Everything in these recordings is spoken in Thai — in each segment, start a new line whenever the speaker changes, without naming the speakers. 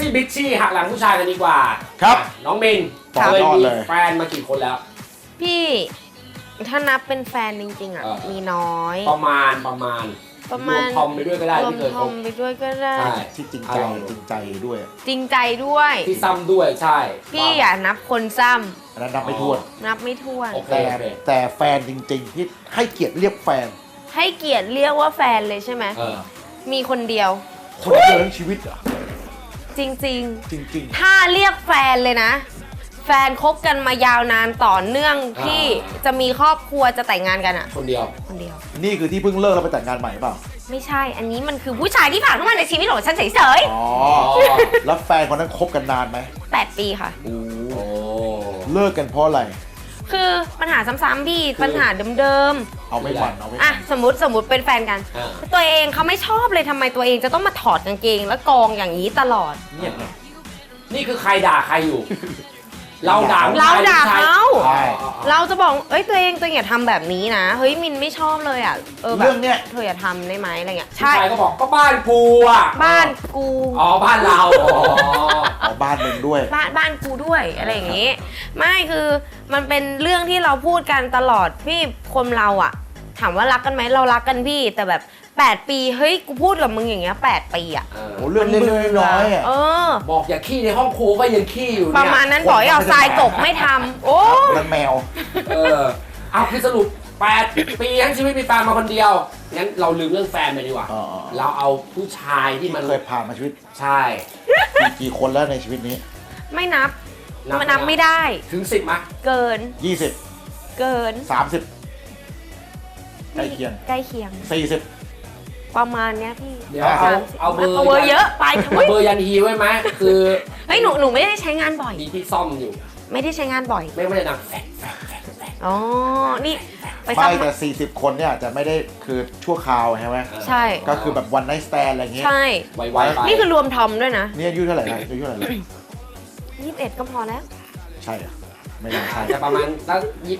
ซี่บิชชี่หักหลังผู้ชายกันดีกว่า
ครับ
น้องมิน
ต่อยอดเลย
แฟนมากี่คนแล้ว
พี่ถ้านับเป็นแฟนจริงๆอ่ะ มีน้อย
ประมาณรวมทอมไปด้วยก็ได้
รวม
ที่เคย
ท
ค
อบ มไปด้วยก็ได้
ใช่
ที่จริงใจด้วย
จริงใจด้วย
ที่ซ้ำด้วยใช่
พี่อย่านับคนซ้
อันนั้นนับไม่ถ้วน
ำนับไม่ถ้วน
โอเค
แต่แฟนจริงๆที่ให้เกียรติเรียกแฟน
ให้เกียรติเรียกว่าแฟนเลยใช่ไหม มีคนเดียว
คนเดียวทั้งชีวิตเหรอ
จริง
จริง
ๆ ถ้าเรียกแฟนเลยนะ แฟนคบกันมายาวนานต่อเนื่องที่จะมีครอบครัวจะแต่งงานกันอ่ะ
คนเดียว
คนเดียว
ๆ นี่คือที่เพิ่งเลิกแล้วไปแต่งงานใหม่เปล่า
ไม่ใช่ อันนี้มันคือผู้ชายที่ผ่านเข้ามาในชีวิตของฉันเฉย
อ๋อ แล้วแฟนคนนั้นคบกันนานไหม
ๆ8 ปีค่ะ
โอ้
โอ้
เลิกกันเพราะอะไร
คือปัญหาซ้ำๆพี่ปัญหาเดิม
เอาไม่หวั่นเอาไม่
ๆอ่ะสมมติเป็นแฟนกัน ตัวเองเขาไม่ชอบเลยทำไมตัวเองจะต้องมาถอดกางเกงแล้วกองอย่างนี้ตลอด
เนี่ยไง
นี่คือใครด่าใครอยู่ เราด่า
เราด่าเขา
ใช่
เราจะบอกเอ้ยตัวเองอย่าทำแบบนี้นะเฮ้ยมินไม่ชอบเลยอ่ะแบบ
เรื่องเนี้ย
เธออย่าทำได้ไหมอะไรเงี้ย
ผู้
ใช่
ชายก็บอกก็บ้านกูอ่ะ
บ้านกู
อ๋อบ้านเราอ๋อ
เอาบ้านมึงด้วย
บ้านกูด้วยอะไรอย่างงี้ ไม่คือมันเป็นเรื่องที่เราพูดกันตลอดพี่คนเราอ่ะ ถามว่ารักกันไหมเรารักกันพี่แต่แบบ8 ปีเฮ้ยกูพูดกับมึงอย่างเงี้ย8 ปีอ่ะ
โอ้เรื่องเล็กๆน้อยๆอ่ะ
เออ
บอกอย่าขี้ในห้องครูก็ยังขี้อยู่
ป
เนี่ย
ระมาณนั้นบอกให้เอาทรายกบไม่ทำโอ้
นั่นแมว
เอาคือสรุป8 ปีทั้งชีวิตมีแฟนมาคนเดียวงั้นเราลืมเรื่องแฟนไปดีกว่า
อ๋อ
เราเอาผู้ชายที่
ที่
มัน
เคยผ่านมาชีวิต
ใช่
กี่คนแล้วในชีวิตนี้
ไม่นับมันนับไม่ได้
ถึง10มั้ย
เกิน
20
เกิน
30ใกล้เคียง
ใกล้เคียง
40
ประมาณเนี้ยพี่
เดี๋ยวเอาเบอร์
เอาเบอร์เยอะไป
เอาเบอร์ยันฮีไว้ไหมคือ
เฮ้ยหนูไม่ได้ใช้งานบ่อย
มีที่ซ่อมอยู่
ไม่ได้ใช้งานบ่อย
ไม่ได้ดังแฟก
อ๋อ นี่ไป
ไม่
ซ้ำ
แต่40 คนเนี่ยจะไม่ได้คือชั่วคราวใช่ไหม
ใช่
ก็คือแบบวันไนท์สแตนอะไรเงี้ย
ใช่
ไวๆไป
นี่คือรวมทอมด้วยนะ
นี่อายุเท่าไหร่นะอายุเท่าไหร่แล้ว
21ก็พอแล้ว
ใช่เหรอไม่น่าใช่
จะประมาณสัก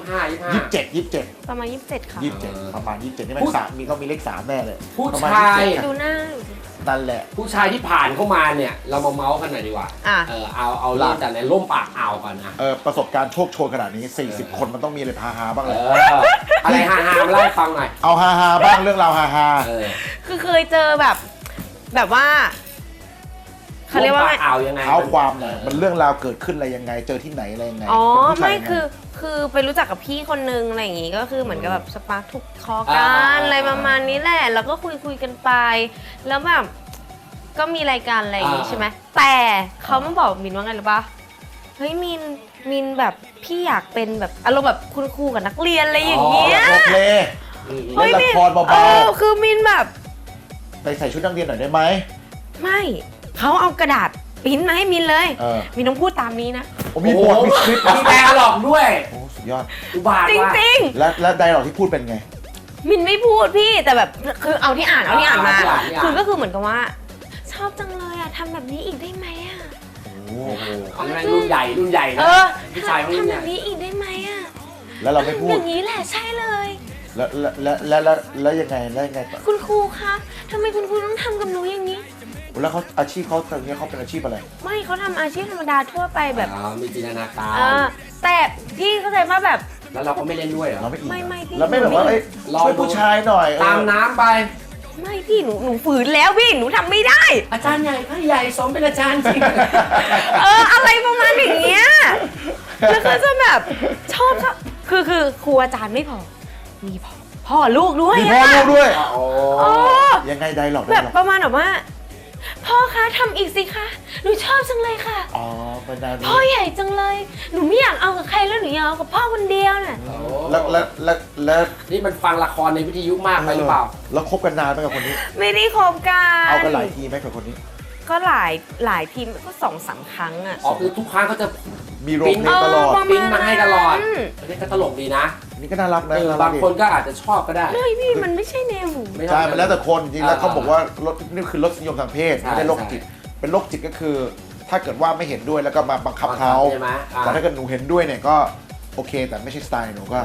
25
ประมาณ27ค่ะ
27ประมาณ27นี่มันสามมีต้องมีเลข3แน่เลย
ผู้
ประมาณ
ชาย
27
ดูหน้า
นั่นแหละ
ผู้ชายที่ผ่านเข้ามาเนี่ยเรามาเมาส์กันหน่อยดีกว่า
อ่ะ
เอาเริ่มจากในร่มปากอ่าวก่อนนะ
ประสบการณ์โชคโชนขนาดนี้ 40 คนมันต้องมีอะไรฮาๆบ้างเลย
อะไรฮาๆมาเล่าให้ฟังหน่อย
เอาฮาๆบ้างเรื่องราวฮา
คือเคยเจอแบบว่าเขาเรียกว่าไง
ร่มปากอ่าวยังไง
ๆเท้าความหน่อยมันเรื่องราวเกิดขึ้นอะไรยังไงเจอที่ไหนอะไรยังไง
อ๋อ
เป็นผู้ชาย
ไม่
ยังง
คือไปรู้จักกับพี่คนนึงอะไรอย่างงี้ก็คือเหมือนกับแบบสปาร์คถูกคอกันอะไรประมาณนี้แหละแล้วก็คุยกันไป แล้วแบบก็มีรายการอะไรอย่างงี้ใช่ไหมแต่เขามาบอกมินว่าไงหรือปะเฮ้ยมินแบบพี่อยากเป็นแบบอารมณ์แบบคุณครูกับนักเรียนอะไรอย่างเงี้ย
โอเค
เฮ้ย
เล่นละครเบา
คือมินแบบ
ๆไปใส่ชุดนักเรียนหน่อยได้ไหม
ไม่เขาเอากระดาษปริ้นมาให้มินเลย มินต้องพูดตามนี้นะ
โอ้มีบทมีคลิป
มีแปลหลอกด้วย
โอ้สุดยอด
อุบาท
จ
ว่ะ
ริง
แล้วไดร์ล็อกที่พูดเป็นไง
ๆ มินไม่พูดพี่แต่แบบคือเอาที่อ่านมา คือก็คือเหมือนกับว่า ชอบจังเลยอ่ะทำแบบนี้อีกได้ไหมอ่ะ
โอ้โห
อันนั้นรุ่นใหญ่นะผู้ชายรุ่น
ทำ
ให
แบ
ญ่
บนี้อีกได้ไหมอ่ะ
แล้วเราไม่พู
อ
ด
ย่างนี้แหละใช่เลย
แล้วยังไงต่อ
คุณครูคะทำไมคุณครูต้องทำกับหนูอย่างนี้
แล้วเขาอาชีพเขาตอนนี้เขาเป็นอาชีพอะไร
ไม่เขาทำอาชีพธรรมดาทั่วไปแบบ
มีจินตนาการ
แต่พี่เข้าใจว่าแบบ
แล้วเราก็ไม่เล่นด้วยเหรอ
เราไม่อิน
ไม่พี่
เราไม่แบบว่าช่วยผู้ชายหน่อย
ตามน้ำไป
ไม่พี่หนูฝืนแล้วพี่หนูทำไม่ได้
อาจารย์ใหญ่พระใหญ่สมเป็นอาจารย์จริง
อะไรประมาณอย่างเงี้ยแล้วก็จะแบบชอบคือครูอาจารย์ไม่พอมีพ่อลูกด้วย
มีพ่อลูกด้วย
อ๋อ
ยังไงไดร์ล็อก
แบบประมาณแบบว่าพ่อคะทำอีกสิคะหนูชอบจังเลยค่ะ
อ๋อเป็นดาวนี้
พ่อใหญ่จังเลยหนูไม่อยากเอากับใครแล้วหนูอยากเอากับพ่อคนเดียวน่ะ
แล้ว
นี่มันฟังละครในวิทยุมากไปหรือเปล่า
แล้วคบกันนานไหมกับคนนี้
ไม่ได้คบกัน
เอากันหลายทีไหมกับคนนี้
ก็หลายทีก็2-3 ครั้งอ่ะ
คือทุกครั้งเขาจะ
มีโรงเพลงตลอด
ปิ้นมาให้ตลอดอันนี้ก็ตลกดีนะ
นี่ก็น่ารักนะ
บางคนก็อาจจะชอบก็ได้
ไม่พี่มันไม่ใช่แนวหนู
ใช่มันแล้วแต่คนจริงแล้วเขาบอกว่ารสนี่คือรสนิยมทางเพศไม่ได้โรคจิตเป็นโรคจิตก็คือ ถ้าเกิดว่าไม่เห็นด้วยแล้วก็มาบังคับเขา
ใช่ไหม
แต่ถ้าเกิดหนูเห็นด้วยเนี่ยก็โอเค แต่ไม่ใช่สไตล์หนูก็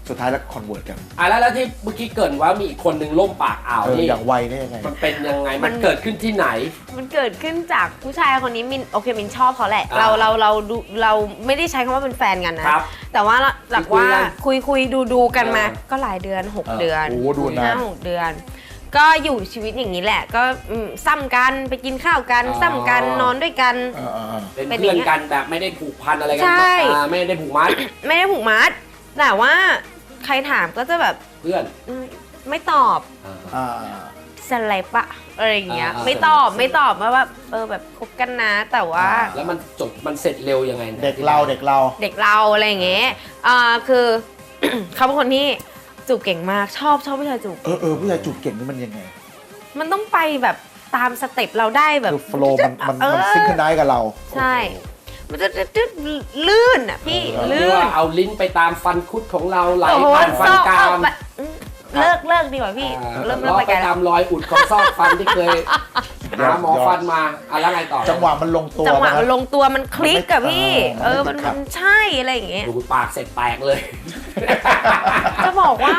สุดท้ายแล้วคอนเวิร์ตกัน
แล้วที่เมื่อกี้เกริ่นว่ามีอีกคนนึงล่มปากอ่าวนี่
อย่างไวนี่ยังไง
มันเป็นยังไงมันเกิดขึ้นที่ไหน
มันเกิดขึ้นจากผู้ชายคนนี้มินโอเคมินชอบเขาแหละ
อ่า
เราไม่ได้ใช้คำว่าเป็นแฟนกันนะครับ แต่ว่าหลักว่าคุยดูกันมา ก็หลายเดือน 6 เดือน
โอ้ดูนาน
5-6 เดือน ก็อยู่ชีวิตอย่างนี้แหละ ก็ซ้ำกันไปกินข้าวกันซ้ำกันนอนด้วยกัน
เป็นเพื่อนกันแบบไม่ได้ผูกพันอะไรกั
ใช่
ไม่ได้ผูกมัด
ไม่ได้ผูกมัด แต่ว่าใครถามก็จะแบบ
เพื่อน
ไม่ตอบ สไลปะอะไรอย่างเงี้ย
อ่า
ไม่ตอบว่าแบบคบกันนะแต่ว่า
แล้วมันจบมันเสร็จเร็วยังไง
เด็กเรา
เด็กเราอะไรอย่างเงี้ยคือ เขาเป็นคนที่จูบเก่งมากชอบผู้ชายจูบ
ผู้ชายจูบเก่งนี่มันยังไง
มันต้องไปแบบตามสเต็ปเราได้แบบ
คือโฟล์มันซิงค์ได้กับเรา
ใช่ มันจะลื่นอ่ะพี่
เรีย
ลื่
ก
น
ว่าเอาลิ้นไปตามฟันคุดของเราไหล
โอ้โห
ผ่านฟันกราม
เลิกดีกว่าพี่เริ่ม
ล้อ
ไป
ไป
ไกลแล้
ตาว มรอยอุดของซอกฟันที่เคยหาหมอฟันมาแล้วไงต่อ
จังหวะมันลงตัว
จังหวะ
นะ
มันลงตัวมันคลิกกับพี่
มันไม่
มันใช่อะไรอย่างเงี้ย
ดูดปากเสร็จแตกเลย
จะบอกว่า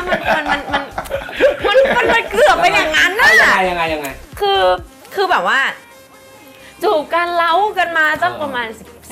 มันเกือบเป็นอย่างนั้นน่ะ
ยังไง
คือแบบว่าจูบกันเล้ากันมาสักประมาณ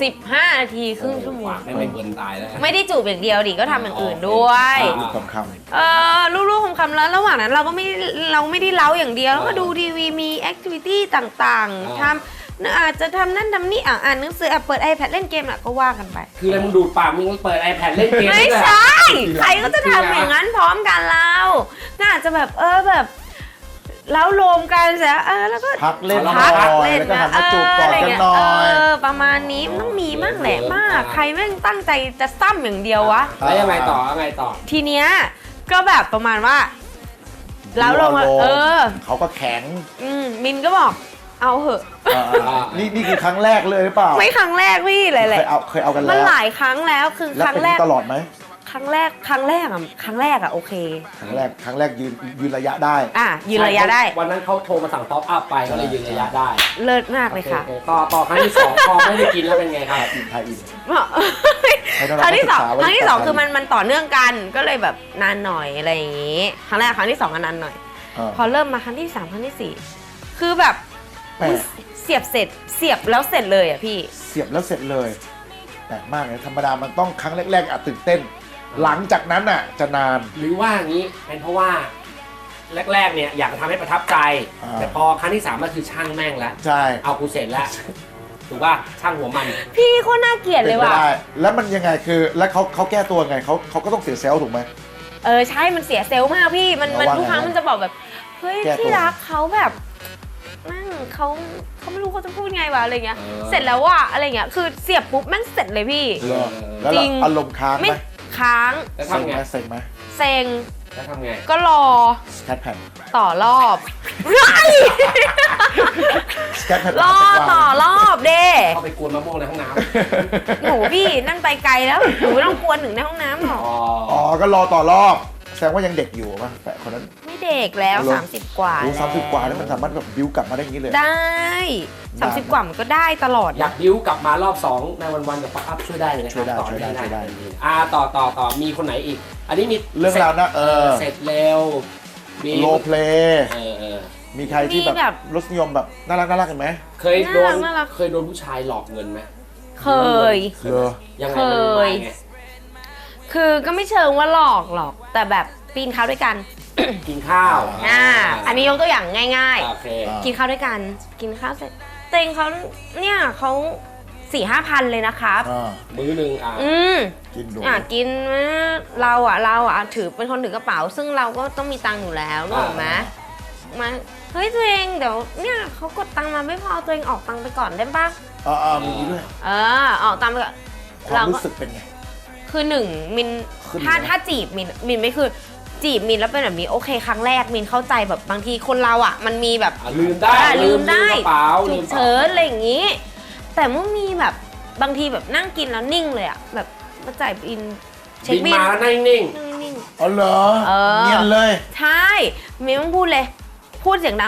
15 นาทีครึ่งชั่วโมง
ไม่เบิร์นตายแล้ว
ไม่ได้จูบอย่างเดียวดิก็ทำอย่างอื่นด้วย
ลูกคำ
ลูกๆคำๆแล้วระหว่างนั้นเราไม่ได้เล้าอย่างเดียวแล้วก็ดูทีวีมีแอคทิวิตี้ต่างๆทำอาจจะทำนั่นทำนี่อ่านหนังสือเปิด iPad เล่นเกมก็ว่ากันไป
คืออะไรมึงดูดปากมึงเปิด iPad เล่นเกม
ไม่ใช่ ใครก็จะทำอย่างนั้นพร้อมกันเราก็อาจจะแบบแบบแล้วรวมกันเสร็จแล้วก็
พักเล่น
พัก
หน่อย
เล่น
แล้วก็หันมาจูบกอดกันหน่อย
ประมาณนี้มันต้องมีมั่งแหละมาก ใครแม่งตั้งใจจะซ้ำอย่างเดียววะ
แล้วยังไงต่อ
ทีเนี้ยก็แบบประมาณว่า แล้วลงมา
เขาก็แข็ง
มินก็บอกเอาเหอะ
นี่คือครั้งแรกเลยหรือเปล่า
ไม่ครั้งแรกพี่หลายๆ
เคยเอากันแล้ว
มันหลายครั้งแล้วคือ
แล้ว
ครั้ง
เป็น
แรก
ตลอดไหม
ครั้งแรกโอเค
ครั้งแรกยืนระยะได้
ยืนระยะได้
วันนั้นเขาโทรมาสั่งท็อปอัพไปก็เลยยืนระยะได้
เลิศมากเลยค่ะ
ต่อครั้งที่ 2พอไม่ได้กินแล้วเป็นไงครับ
ไทยอิน
ครั้งที่สองคือมันต่อเนื่องกันก็เลยแบบนานหน่อยอะไรอย่างงี้ครั้งแรกครั้งที่สองก็นานหน่อย พอเริ่มมาครั้งที่3ครั้งที่4คือแบบเสียบแล้วเสร็จเลยอ่ะพี่
เสียบแล้วเสร็จเลยแปลกมากเลยธรรมดามันต้องครั้งแรกๆอาจตื่นเต้น หลังจากนั้นอ่ะจะนาน
หรือว่างี้เป็นเพราะว่าแรกๆเนี่ยอยากจะทำให้ประทับใจ แต่พอครั้งที่3ก็คือช่างแม่งแล้ว
ใช่
เอากูเสร็จแล้วถูกป่ะช่างหัวมัน
พี่โคตรน่าเกลียดเลยว่ะ
ได้แล้วมันยังไงคือแล้วเขาแก้ตัวไงเขาก็ต้องเสียเซลล์ถูกไหม
ใช่มันเสียเซลล์มากพี่มันทุกครั้งมันจะบอกแบบเฮ้ยที่รักเขาแบบนั่งเขาไม่รู้เขาจะพูดไงวะอะไรเงี้ยเสร็จแล้วว่ะอะไรเงี้ยคือเสียบปุ๊บแม่งเสร็จเลยพี่
แล้วอารมณ์ค้างไหม
ค้าง
แล้วทำไง
เซ็งไหม
เซ็ง
แล้วทำไง
ก็รอ
สแคทแผ่น
ต่อรอบ
สแคทแผ่น
รอต่อรอบเด้
เข้าไปกวนมะม่วงในห้องน้
หนูพี่นั่นไปไกลแล้วหนูไม่ต้องกวนถึงในห้องน้ำหรอก
ำ
อ๋อก็รอต่อรอบแสดงว่ายังเด็กอยู่ป่ะแต่คนนั้น
ไม่เด็กแล้ว30 กว่า
30 กว่าแล้วมันสามารถแบบบิ้วกลับมาได้อย่างนี้เลย
ได้30 กว่ามันก็ได้ตลอด
อยากบิ้วกลับมารอบ2ในวันๆกับป๊อปอัพช่วยได้เลยนะ
ช่วยได้
ต่อมีคนไหนอีก อันนี้มี
เรื่องราวนะ
เสร็จเร็วมี
โรเพลย์ มีใครที่แบ
มีแบบ บ
รสนิยมแบบน่ารักเห็นไหม
เคยโดน
น่ารัก
เคยโดนผู้ชายหลอกเงินไหม
เคย
ยังไง
เคย
มันมาไง
คือก็ไม่เชิงว่าหลอกหรอก แต่แบบปีนเขาด้วยกัน
กินข้าว
อันนี้ยกตัวอย่างง่าย
โอเค
ๆ กินข้าวด้วยกัน กินข้าวเสร็จเต็งเขาเนี่ยเขา4-5 พันเลยนะครับ
มื้อหนึ่ง
กินดู
กินเราถือเป็นคนถือกระเป๋า ซึ่งเราก็ต้องมีตังค์อยู่แล้วนึกออกไหมมาเฮ้ยตัวเองเดี๋ยวเนี่ยเขากดตังค์มาไม่พอตัวเองออกตังค์ไปก่อนได้ปะ
มีด้วย
ออกตังค์ไปก่อน
ความรู้สึกเป็นไง
คือหนึ่งมินถ้าจีบมินไม่คือจีบมินแล้วเป็นแบบนี้โอเคครั้งแรกมินเข้าใจแบบบางทีคนเราอ่ะมันมีแบบ
ลืมได้
ลืมได้
กระเป๋า
ฉุกเฉินอะไรอย่างงี้ แต่เมื่อมีแบบบางทีแบบนั่งกินแล้วนิ่งเลยอ่ะแบบมาจ่ายบินเช็ค
บิน
บิน
มานั่งนิ่ง
นิ่ง
อ๋อเหรอเงียบเลย
ใช่มินต้องพูดเลยพูดเสียงดังเลยอ่ะ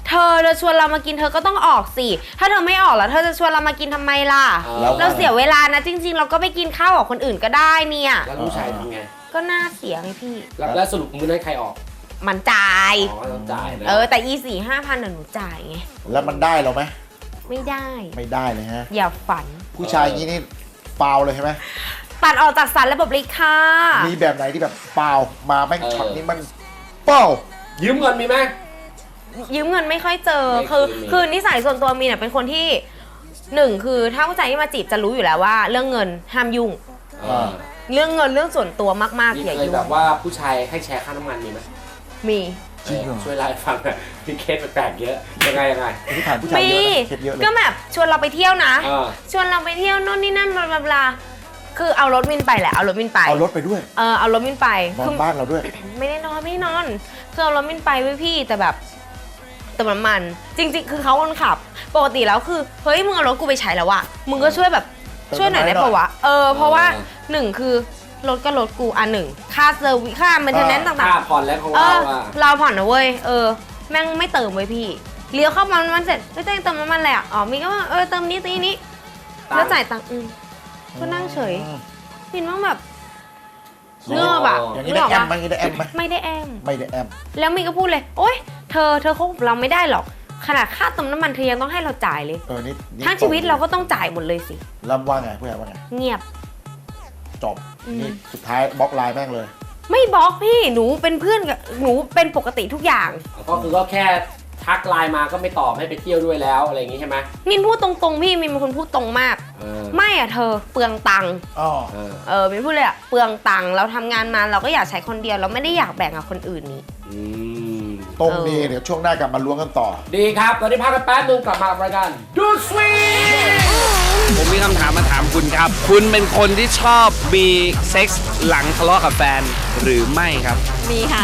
เธอชวนเรามากินเธอก็ต้องออกสิถ้าเธอไม่ออกแล้วเธอจะชวนเรามากินทำไมล่ะเราเสียเวลานะจริงๆเราก็ไปกินข้าวกับคนอื่นก็ได้เนี่ย
แล้วผู้ชายทำไง
ก็น่าเสียไงพี่
แล้วสรุปมื้อนั้นใครออก
มันจ่าย
อ๋อต้องจ่ายนะ
แต่อี4-5 พันหนูจ่ายไง
แล้วมันได้เราไหม
ไม่ได้
ไม่ได้เลยฮะ
อย่าฝัน
ผู้ชายอย่างนี้นี่ฟาวเลยใช่ไหม
ตัดออกจากสารระบบเลยค่ะ
มีแบบไหนที่แบบฟาวมาแม่งช็อตนี้มันเป้า
ยืมเงินมีไหม
ยืมเงินไม่ค่อยเจอ
ไม่เคยมี
คือนิสัยส่วนตัวมีเนี่ยเป็นคนที่หนึ่งคือถ้าผู้ชายที่มาจีบจะรู้อยู่แล้วว่า เรื่องเงินห้ามยุ่ง เรื่องเงินเรื่องส่วนตัวมากๆ
มี
อย่า
เคย
ยุ่ง
แบบว่าผู้ชายให้แชร์ค่าน้ำมันมีไหม
มี
จริงเหรอ
ช่วยเล่าให้ฟังหน่อยมีเคสแปลกๆเยอะยังไง
ที่ผ่านผู้ชายเยอะนะเคสเยอะเลย
ก็แบบชวนเราไปเที่ยวนะ
เออ
ชวนเราไปเที่ยวโน่นนี่นั่นบลาบลาคือเอารถวินไปแหละเอารถวินไป
เอารถไปด้วย
เอารถวินไป
นอ
คื
น
อ
บ้านเราด้วย
ไม่ได้นอนคือเอารถวินไปไว้พี่แต่แบบเติมน้ำมันจริงๆคือเขาคนขับปกติแล้วคือเฮ้ยมึงเอารถกูไปใช้แล้วอะมึงก็ช่วยแบบ
เติม
ช่วยหน่อยได้
น้ำมัน
ปะวะเพราะว่า
เออ
หนึ่งคือรถก็รถกูหนึ่งค่าเซอร์วิสค่ามันเทนแนนต่าง
ค่าผ่อนแล้วของ
ๆ
เราอะ
เราผ่อนนะเว้ยแม่งไม่เติมเว้ยพี่เลี้ยวเข้ามามันเสร็จไม่ต้องเติมน้ำมันเลยอะมีก็ว่าเติมนี้ตีนี้แล้วจ่ายตังค์ก็นั่งเฉยพินว่าแบบเงือบอะ
อย่างนี้
นึก
ได้
ออก
แอม
ปะ
ไหมอย่างนี้ได้แอมไหม
ไม่ได้แอม
ไม่ได้แอม
แล้วมีก็พูดเลยโอ๊ยเธอคบกับเราไม่ได้หรอกขนาดค่าเติมน้ำมันเธอยังต้องให้เราจ่ายเลย
นี่
ทั้งชีวิตเราก็ต้องจ่ายหมดเลยสิ
ลำว่าไงผู้ชายว่าไง
เงียบ
จบนี่สุดท้ายบล็อกไลน์แม่งเลย
ไม่บล็อกพี่หนูเป็นเพื่อนกับหนูเป็นปกติทุกอย่าง
ก็คือก็แค่ทักไลน์มาก็ไม่ตอบให้ไปเที่ยวด้วยแล้วอะไรอย่างงี้ใช่ไหม
มินพูดตรงๆพี่มินเป็นคนพูดตรงมาก ไม่อะเธอเปลืองตังค์
อ๋อ
มินพูดเลยอะเปลืองตังค์เราทำงานมาเราก็อยากใช้คนเดียวเราไม่ได้อยากแบ่งกับคนอื่นนี่
ตรงนี้เดี๋ยวช่วงหน้ากลับมาล้วงกันต่อ
ดีครับตอนนี้พักกันแป๊บนึงกลับมากับรายการดูสวีท
ผมมีคำถามมาถามคุณครับ คุณเป็นคนที่ชอบมีเซ็กส์หลังทะเลาะกับแฟนหรือไม่ครับ
มีค่ะ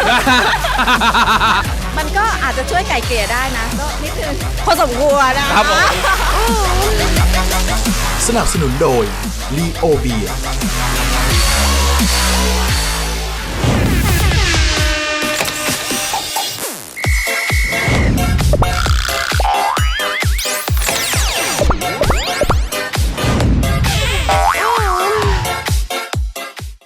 มันก็อาจจะช่วยไก่เกลี่ยได้นะ ก็นิดนึงพอสมควรนะครับ
ผม
สนับสนุนโดย ลีโอเบีย